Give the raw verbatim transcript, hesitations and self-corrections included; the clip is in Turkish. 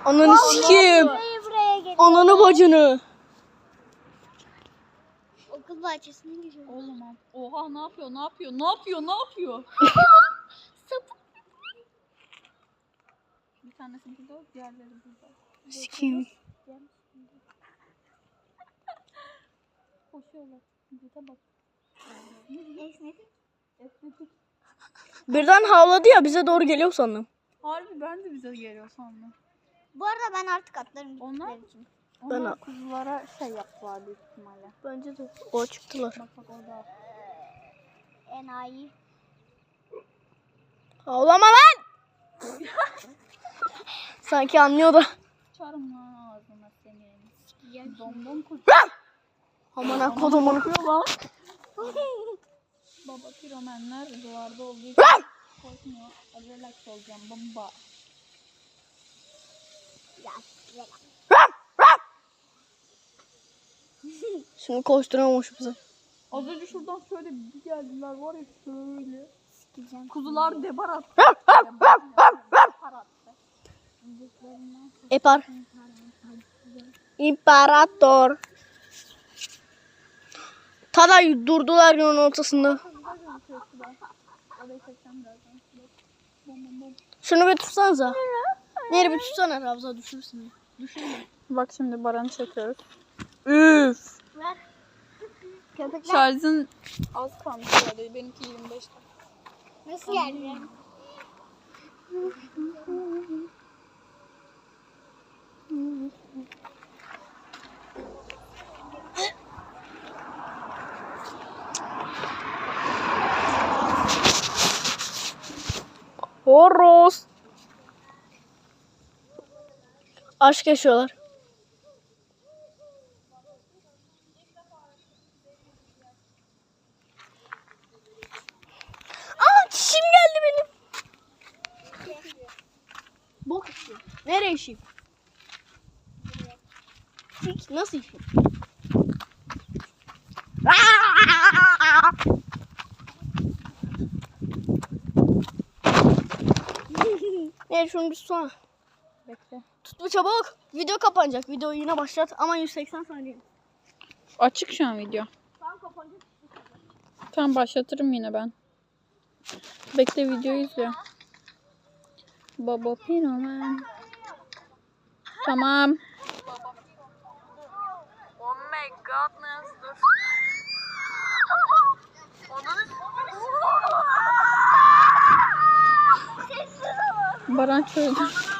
Ananı sikeyim. Ananı bacını. Okul bahçesine giriyor. Oğlum oha ne yapıyor ne yapıyor ne yapıyor ne yapıyor? Sapık. Bir tanesi burada diğerleri burada. Sikeyim. Koşuyorlar. Vücuda bak. Esnedik. Estetik. Birden havladı ya bize doğru geliyor sandım. Harbi ben de bize geliyor sandım. Bu arada ben artık atlarım Onlar- gittikleri için. Onlar Ben- kuzulara şey yaptılar büyük ihtimalle. Bence de. O çıktılar. Bak bak orada. Enayi. Ağlama lan. Sanki anlıyor da. Çarım lan ağzına senin. Sikeceğim. Domdom kuzu. Aman ha kodumun. Baba piromenler duvarda olduğu için korkmuyor. Relax olacağım bomba. Ya, ya. Şimdi koşturamamış bize. Az önce şuradan şöyle bir geldiler var ya şöyle. Sikeceğim. Kuzular debar attı. Debar attı. Epar. İmparator. Tada durdular yolun ortasında. Orayı çekeceğim birazdan. Bom bom bom. Şunu bir tutsanıza. Neri bir tutsana Ravza düşürsün. Bak şimdi Baran'ı çekiyoruz. Üf. Ver. Köpekler Şarjın az kalmış herhalde. Benimki yirmi beşte. nasıl geldi? Horoz. Aşk yaşıyorlar. Aa çişim geldi benim. Bok işi. Nereye işi? Sik nasıl işi? Nereye şunu bir tutsana. Bekle. Tutma çabuk. Video kapanacak. Videoyu yine başlat ama yüz seksen saniye. Açık şu an video. Tamam kapanacak. Tamam başlatırım yine ben. Bekle videoyu izle. Baba Pinoman. Tamam. Oh my godness. Dur. Baran çözdü.